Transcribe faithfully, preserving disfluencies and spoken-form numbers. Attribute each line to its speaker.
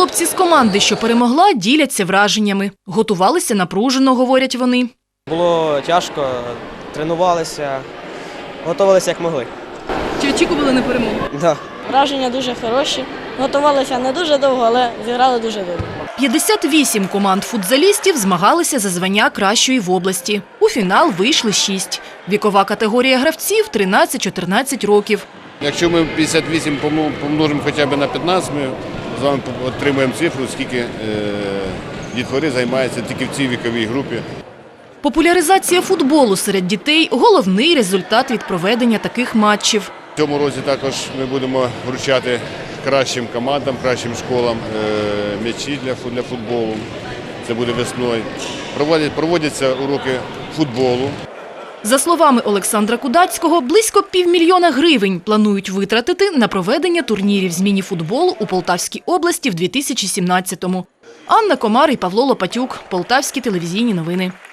Speaker 1: Хлопці з команди, що перемогла, діляться враженнями. Готувалися напружено, говорять вони.
Speaker 2: Було тяжко, тренувалися, готувалися як могли.
Speaker 1: Чи очікували на перемогу?
Speaker 2: Да.
Speaker 3: Враження дуже хороші. Готувалися не дуже довго, але зіграли дуже добре.
Speaker 1: п'ятдесят вісім команд футзалістів змагалися за звання кращої в області. У фінал вийшли шість. Вікова категорія гравців – тринадцять-чотирнадцять років.
Speaker 4: Якщо ми п'ятдесят вісім помножимо хоча б на п'ятнадцять, ми з вами отримаємо цифру, скільки е, дітвори займається тільки в цій віковій групі.
Speaker 1: Популяризація футболу серед дітей – головний результат від проведення таких матчів.
Speaker 4: В цьому році також ми будемо вручати кращим командам, кращим школам е, м'ячі для, для футболу. Це буде весною. Проводять, проводяться уроки футболу.
Speaker 1: За словами Олександра Кудацького, близько півмільйона гривень планують витратити на проведення турнірів з міні-футболу у Полтавській області в дві тисячі сімнадцятому. Анна Комар і Павло Лопатюк. Полтавські телевізійні новини.